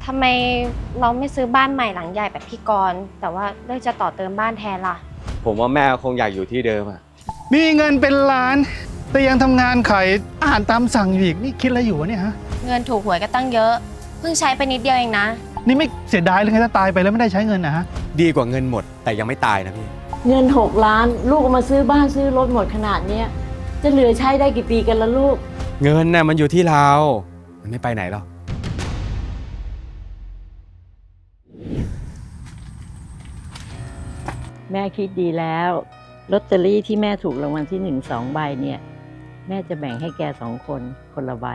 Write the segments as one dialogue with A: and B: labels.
A: ทำไมเราไม่ซื้อบ้านใหม่หลังใหญ่แบบพี่กรณ์แต่ว่าเลือกจะต่อเติมบ้านแทนล่ะ
B: ผมว่าแม่คงอยากอยู่ที่เดิมอะ
C: มีเงินเป็นล้าน แต่ยังทำงานขายอาหารตามสั่งอยู่อีกนี่คิดอะไรอยู่วะเนี่ยฮะ
A: เงินถูกหวยก็ตั้งเยอะเพิ่งใช้ไปนิดเดียวเองนะ
C: นี่ไม่เสียดายเลยไงถ้าตายไปแล้วไม่ได้ใช้เงินนะฮะ
B: ดีกว่าเงินหมดแต่ยังไม่ตายนะพี่
D: เงิน6 ล้านลูกเอามาซื้อบ้านซื้อรถหมดขนาดเนี้ยจะเหลือใช้ได้กี่ปีกันละลูก
B: เงินน่ะมันอยู่ที่เรา มันไม่ไปไหนหรอก
D: แม่คิดดีแล้วลอตเตอรี่ที่แม่ถูกรางวัลที่1 2 ใบเนี่ยแม่จะแบ่งให้แก2 คนคนละใบ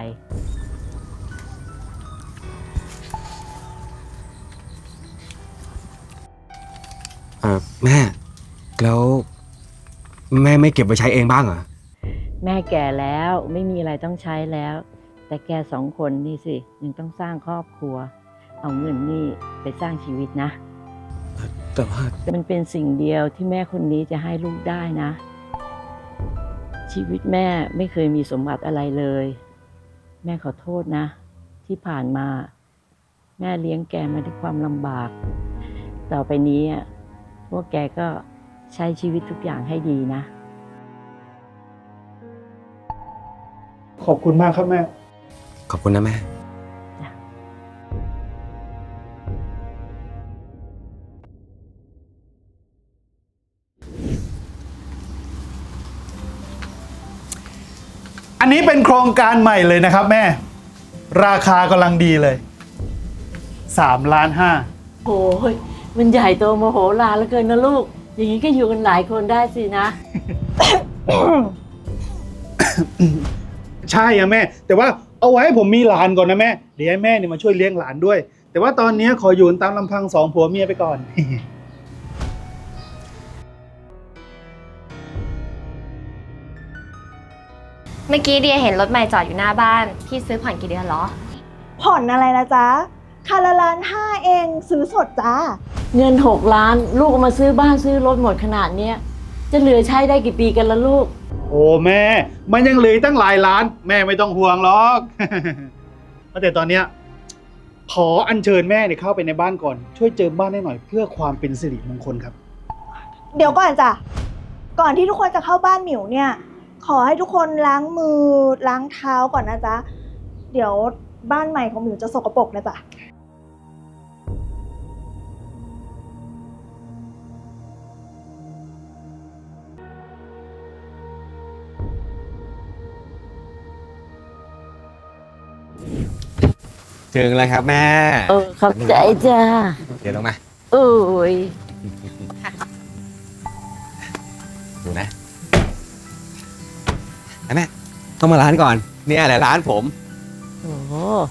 B: แม่ แล้วแม่ไม่เก็บไว้ใช้เองบ้างเหรอ
D: แม่แก่แล้วไม่มีอะไรต้องใช้แล้ว แต่แก2 คนนี่สิยังต้องสร้างครอบครัว เอาเงินนี่ไปสร้างชีวิตนะ
B: แต่ว่า
D: มันเป็นสิ่งเดียวที่แม่คนนี้จะให้ลูกได้นะ ชีวิตแม่ไม่เคยมีสมบัติอะไรเลย แม่ขอโทษนะ ที่ผ่านมา แม่เลี้ยงแกมาด้วยความลำบาก ต่อไปนี้พวกแกก็ใช้ชีวิตทุกอย่างให้ดีนะ
C: ขอบคุณมากครับแม่
B: ขอบคุณนะแม่
C: อันนี้เป็นโครงการใหม่เลยนะครับแม่ ราคากำลังดีเลย3.5 ล้าน
D: โอ้ยมันใหญ่โตโมโหลารเหลือเกินนะลูก อย่างนี้ก็อยู่กันหลายคนได้สินะ
C: ใช่อะแม่ แต่ว่าเอาไว้ให้ผมมีหลานก่อนนะแม่เดี๋ยวให้แม่เนี่ยมาช่วยเลี้ยงหลานด้วย แต่ว่าตอนนี้ขออยู่ตามลำพัง2 ผัวเมียไปก่อน
A: เมื่อกี้เดียเห็นรถใหม่จอดอยู่หน้าบ้านพี่ซื้อผ่อนกี่เดือนเหรอ
E: ผ่อนอะไรนะจ๊ะคันละ1.5 ล้านเองซื้อสดจ้า
D: เงิน6 ล้านลูกเอามาซื้อบ้านซื้อรถหมดขนาดเนี้ยจะเหลือใช้ได้กี่ปีกันละลูก
C: โอ้แม่ มันยังเหลือตั้งหลายล้าน แม่ไม่ต้องห่วงหรอก แต่ตอนเนี้ยขออัญเชิญแม่เนี่ยเข้าไปในบ้านก่อน ช่วยเจิมบ้านให้หน่อยเพื่อความเป็นสิริมงคลครับ
E: เดี๋ยวก่อนจ้ะ ก่อนที่ทุกคนจะเข้าบ้านหมิวเนี่ย ขอให้ทุกคนล้างมือล้างเท้าก่อนนะจ๊ะ เดี๋ยวบ้านใหม่ของหมิวจะสกปรกนะจ๊ะ
B: ถึงแล้วครับแม่
D: ขอบใจจ้า
B: เดี๋ยวลงมา
D: โอ้ย
B: ดูนะแม่ต้องมาร้านก่อนเนี่ยแหละร้านผม
D: โอ้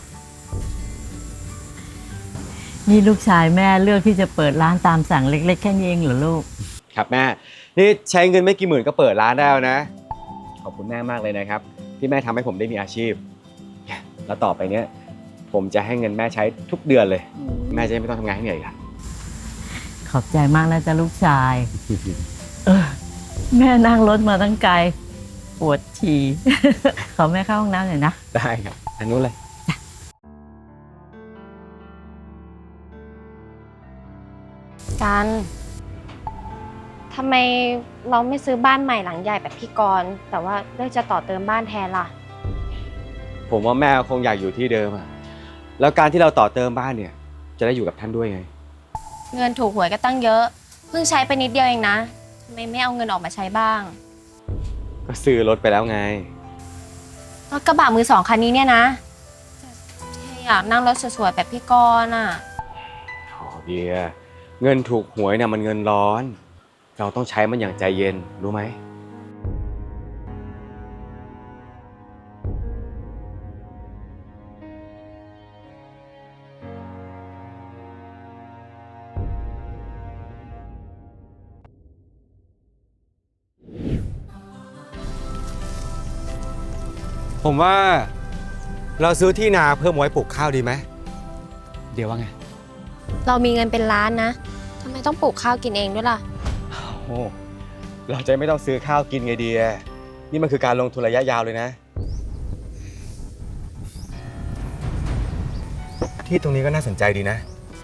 D: นี่ลูกชายแม่เลือกที่จะเปิดร้านตามสั่งเล็กๆแค่นี้เองเหรอลูก
B: ครับแม่ นี่ใช้เงินไม่กี่หมื่นก็เปิดร้านได้แล้วนะ ขอบคุณแม่มากเลยนะครับ ที่แม่ทำให้ผมได้มีอาชีพ แล้วต่อไปเนี้ยผมจะให้เงินแม่ใช้ทุกเดือนเลย แม่จะไม่ต้องทำงานให้เหนื่อยอีกละ
D: ขอบใจมากนะจ๊ะลูกชาย แม่นั่งรถมาตั้งไกล ปวดฉี่ ขอแม่เข้าห้องน้ำหน่อยนะ
B: ได้ครับอันนู้นเลย
A: กันทำไมเราไม่ซื้อบ้านใหม่หลังใหญ่แบบพี่กรณ์แต่ว่าเลือกจะต่อเติมบ้านแทนล่ะ
B: ผมว่าแม่คงอยากอยู่ที่เดิมอะแล้วการที่เราต่อเติมบ้านเนี่ย จะได้อยู่กับท่านด้วยไง
A: เงินถูกหวยก็ตั้งเยอะเพิ่งใช้ไปนิดเดียวเองนะทำไมไม่เอาเงินออกมาใช้บ้าง
B: ก็ซื้อรถไปแล้วไง
A: รถกระบะมือ 2 คันนี้เนี่ยนะแต่อยากนั่งรถสวยๆแบบพี่กรณ์อ่ะ
B: โอ้เดียเงินถูกหวยเนี่ยมันเงินร้อน เราต้องใช้มันอย่างใจเย็นรู้ไหม ผมว่าเราซื้อที่นาเพิ่มไว้ปลูกข้าวดีไหมเดี๋ยวว่าไง
A: เรามีเงินเป็นล้านนะทำไมต้องปลูกข้าวกินเองด้วยล่ะ
B: โอ้เราจะไม่ต้องซื้อข้าวกินไงเดียนี่มันคือการลงทุนระยะยาวเลยนะที่ตรงนี้ก็น่าสนใจดีนะ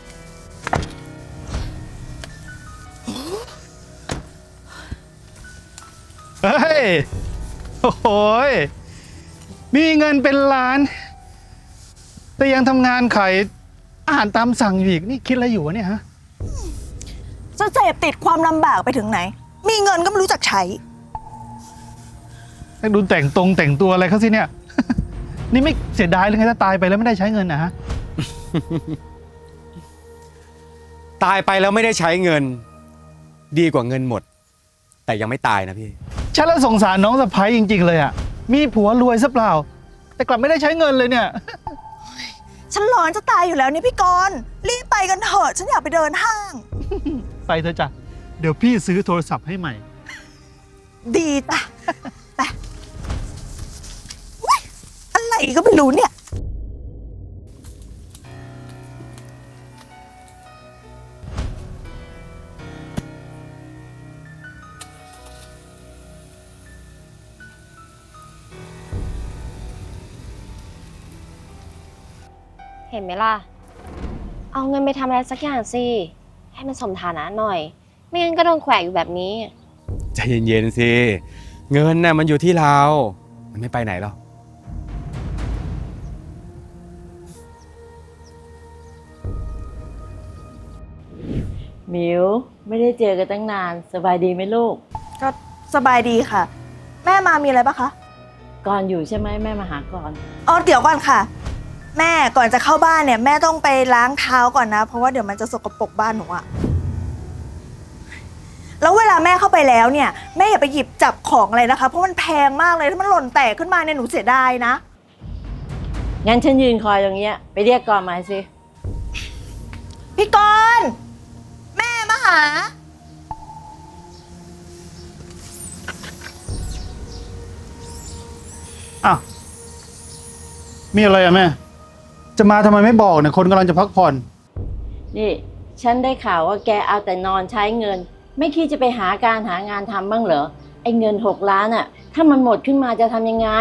C: เฮ้ย โอ้โหยมีเงินเป็นล้าน แต่ยังทำงานขายอาหารตามสั่งอยู่อีก นี่คิดอะไรอยู่วะเนี่ยฮะ
E: จะเสพติดความลำบากไปถึงไหน มีเงินก็ไม่รู้จักใช้
C: ให้ดูแต่งตัวอะไรเขาสิเนี่ย นี่ไม่เสียดายเลยไงถ้าตายไปแล้วไม่ได้ใช้เงินนะฮะ
B: ตายไปแล้วไม่ได้ใช้เงิน ดีกว่าเงินหมด แต่ยังไม่ตายนะพี่
C: ฉันละสงสารน้องสะพ้ายจริงๆเลยอ่ะ มีผัวรวยซะเปล่า แต่กลับไม่ได้ใช้เงินเลยเนี่ย
E: ฉันร้อนจะตายอยู่แล้วนี่พี่กรณ์รีบไปกันเถอะ ฉันอยากไปเดินห้าง
C: ไปเถอะจ้ะ เดี๋ยวพี่ซื้อโทรศัพท์ให้ใหม่
E: ดีจ้ะ ไปอุ๊ยอะไรก็ไม่รู้เนี่ย
A: เห็นไหมล่ะ เอาเงินไปทำอะไรสักอย่างสิ ให้มันสมฐานะหน่อย ไม่งั้นก็โดนแขวะอยู่แบบนี้
B: ใจเย็นๆสิ เงินน่ะมันอยู่ที่เรา มันไม่ไปไหนหรอก
D: หมิวไม่ได้เจอกันตั้งนาน สบายดีไหมลูก
E: ก็สบายดีค่ะ แม่มามีอะไรปะคะ
D: ก่อนอยู่ใช่ไหมแม่มาหาก่อน
E: อ๋อเดี๋ยวก่อนค่ะ แม่ก่อนจะเข้าบ้านเนี่ยแม่ต้องไปล้างเท้าก่อนนะ เพราะว่าเดี๋ยวมันจะสกปรกบ้านหนูอะแล้วเวลาแม่เข้าไปแล้วเนี่ยแม่อย่าไปหยิบจับของอะไรนะคะ เพราะมันแพงมากเลยถ้ามันหล่นแตกขึ้นมาเนี่ยหนูเสียดายนะ
D: งั้นฉันยืนคอยตรงเนี้ยไปเรียกก่อนมาสิ
E: พี่กรณ์แม่มาหา
C: อ้าว มีอะไรอะแม่ จะมาทำไมไม่บอกเนี่ยคนกำลังจะพักผ่อน
D: นี่ ฉันได้ข่าวว่าแกเอาแต่นอนใช้เงิน ไม่คิดจะไปหางานทำบ้างเหรอ ไอ้เงิน6 ล้านอะถ้ามันหมดขึ้นมาจะทำยังไง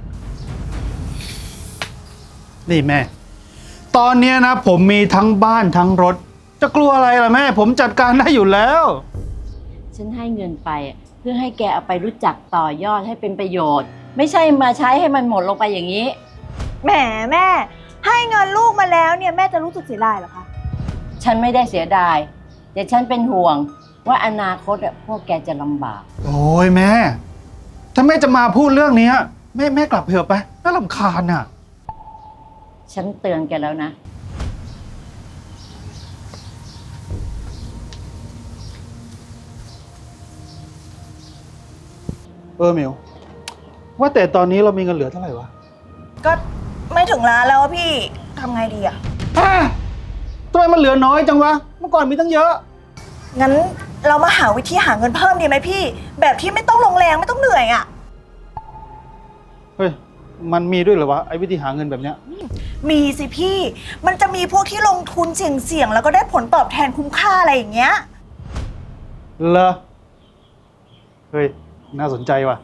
C: นี่แม่ ตอนเนี้ยนะผมมีทั้งบ้านทั้งรถ จะกลัวอะไรล่ะแม่ ผมจัดการได้อยู่แล้ว
D: ฉันให้เงินไปอะเพื่อให้แกเอาไปรู้จักต่อยอดให้เป็นประโยชน์ ไม่ใช่มาใช้ให้มันหมดลงไปอย่างนี้
E: แหมแม่ ให้เงินลูกมาแล้วเนี่ยแม่จะรู้สึกเสียดายเหรอคะ
D: ฉันไม่ได้เสียดาย แต่ฉันเป็นห่วงว่าอนาคตอะพวกแกจะลำบาก
C: โอ้ยแม่ ถ้าแม่จะมาพูดเรื่องนี้แม่กลับเถอะไปน่ารำคาญอ่ะ
D: ฉันเตือนแกแล้วนะ
C: มิวว่าแต่ตอนนี้เรามีเงินเหลือเท่าไหร่วะ
E: ก็ไม่ถึงล้านแล้วอะพี่ทำไงดีอะ
C: ทำไมมันเหลือน้อยจังวะ เมื่อก่อนมีตั้งเยอะ
E: งั้นเรามาหาวิธีหาเงินเพิ่มดีไหมพี่ แบบที่ไม่ต้องลงแรงไม่ต้องเหนื่อยอะ
C: เฮ้ย มันมีด้วยเหรอวะไอ้วิธีหาเงินแบบเนี้ย
E: มีสิพี่ มันจะมีพวกที่ลงทุนเสี่ยงๆแล้วก็ได้ผลตอบแทนคุ้มค่าอะไรอย่างเงี้ย
C: เหรอ เฮ้ย น่าสนใจว่ะ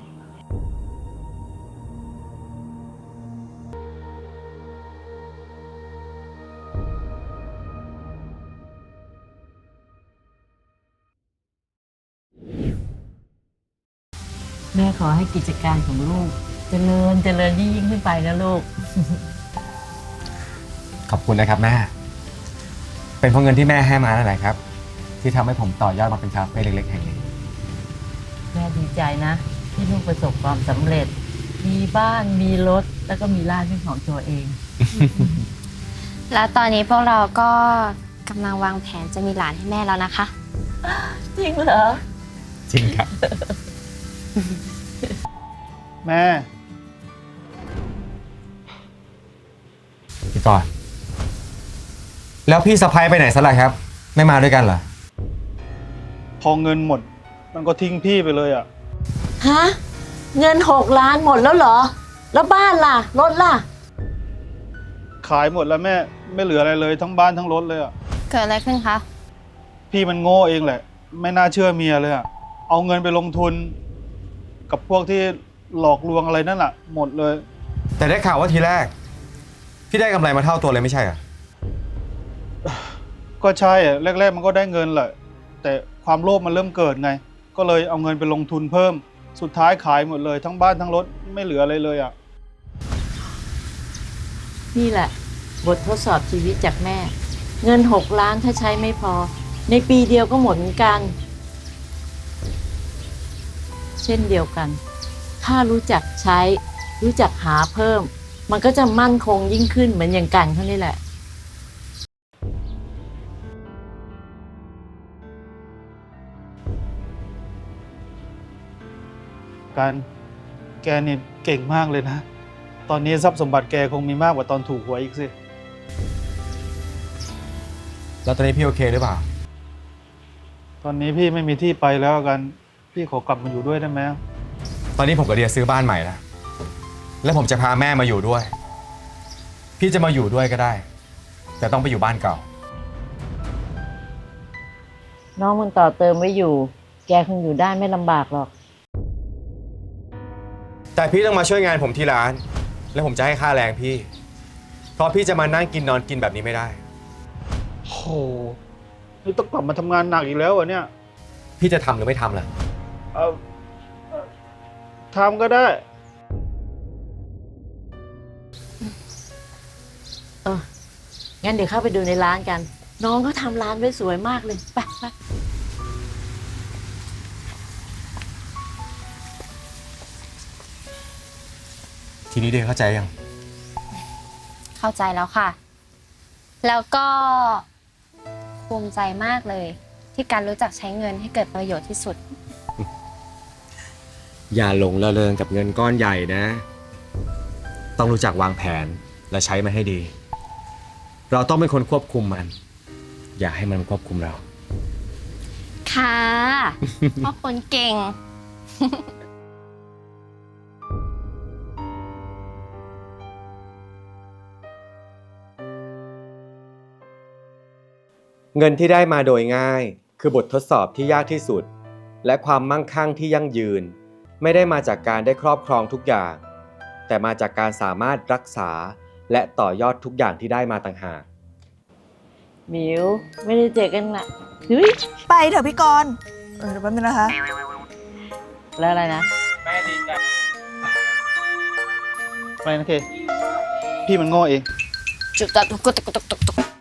D: แม่ขอให้กิจการของลูกเจริญยิ่งขึ้นไปนะลูก
B: ขอบคุณนะครับแม่ เป็นเพราะเงินที่แม่ให้มานั่นแหละครับ ที่ทำให้ผมต่อยอดมาเป็นคาเฟ่เล็กๆแห่งนี้
D: แม่ดีใจนะ ที่ลูกประสบความสำเร็จ มีบ้านมีรถแล้วก็มีร้านเป็นของตัวเอง
A: แล้วตอนนี้พวกเราก็กำลังวางแผนจะมีหลานให้แม่แล้วนะคะ
D: จริงเหรอ
B: จริงครับ
C: แม่
B: พี่กรณ์แล้วพี่สะพ้ายไปไหนซะล่ะครับ ไม่มาด้วยกันเหรอ
C: พอเงินหมด มันก็ทิ้งพี่ไปเลยอ่ะ
D: ฮะ เงิน6 ล้านหมดแล้วเหรอ แล้วบ้านล่ะ รถล่ะ
C: ขายหมดแล้วแม่ ไม่เหลืออะไรเลยทั้งบ้านทั้งรถเลยอ่ะ
A: เกิดอะไรขึ้นคะ
C: พี่มันโง่เองแหละ ไม่น่าเชื่อเมียเลยอ่ะ เอาเงินไปลงทุน กับพวกที่หลอกลวงอะไรนั่นแหละหมดเลย
B: แต่ได้ข่าวว่าทีแรก พี่ได้กำไรมาเท่าตัวเลยไม่ใช่เหรอ
C: ก็ใช่อะแรกๆมันก็ได้เงินแหละ แต่ความโลภมันเริ่มเกิดไง ก็เลยเอาเงินไปลงทุนเพิ่ม สุดท้ายขายหมดเลยทั้งบ้านทั้งรถไม่เหลืออะไรเลยอ่ะ
D: นี่แหละ บททดสอบชีวิตจากแม่ เงิน6 ล้านถ้าใช้ไม่พอ ในปีเดียวก็หมดเหมือนกัน เช่นเดียวกัน ถ้ารู้จักใช้ รู้จักหาเพิ่ม มันก็จะมั่นคงยิ่งขึ้นเหมือนอย่างกันเขานี่แหละ
C: การแกนี่เก่งมากเลยนะ ตอนนี้ทรัพย์สมบัติแกคงมีมากกว่าตอนถูกหวยอีกสิ
B: แล้วตอนนี้พี่โอเคหรือเปล่า
C: ตอนนี้พี่ไม่มีที่ไปแล้วกัน พี่ขอกลับมาอยู่ด้วยได้ไหม
B: ตอนนี้ผมกับเดียซื้อบ้านใหม่แล้ว แล้วผมจะพาแม่มาอยู่ด้วย พี่จะมาอยู่ด้วยก็ได้ แต่ต้องไปอยู่บ้านเก่า
D: น้องมันต่อเติมไว้อยู่ แกคงอยู่ได้ไม่ลำบากหรอก
B: แต่พี่ต้องมาช่วยงานผมที่ร้าน แล้วผมจะให้ค่าแรงพี่ เพราะพี่จะมานั่งกินนอนกินแบบนี้ไม่ได้
C: โอ้โหนี่ต้องกลับมาทำงานหนักอีกแล้วเหรอเนี่ย
B: พี่จะทำหรือไม่ทำล่ะ
C: เออทำก็ได้
D: งั้นเดี๋ยวเข้าไปดูในร้านกัน น้องเขาทำร้านไว้สวยมากเลย ไปไป
B: ทีนี้เดียเข้าใจยัง
A: เข้าใจแล้วค่ะ แล้วก็ภูมิใจมากเลย ที่การรู้จักใช้เงินให้เกิดประโยชน์ที่สุด
B: อย่าหลงระเริงกับเงินก้อนใหญ่นะ ต้องรู้จักวางแผนและใช้มันให้ดี เราต้องเป็นคนควบคุมมัน อย่าให้มันควบคุมเรา
A: ค่ะพ่อคนเก่ง
B: เงินที่ได้มาโดยง่าย คือบททดสอบที่ยากที่สุด และความมั่งคั่งที่ยั่งยืน ไม่ได้มาจากการได้ครอบครองทุกอย่าง แต่มาจากการสามารถรักษาและต่อยอดทุกอย่างที่ได้มาต่างหาก
D: หมิว ไม่ได้เจอกันละเฮ้ย
E: ไปเถอะพี่กรณ์เดี๋ยวแป๊บนึงนะคะ
D: แล้วอะไรนะ
C: ไปนะเค พี่มันโง่เอง
A: จุดตัดตุกตุกตุกตุก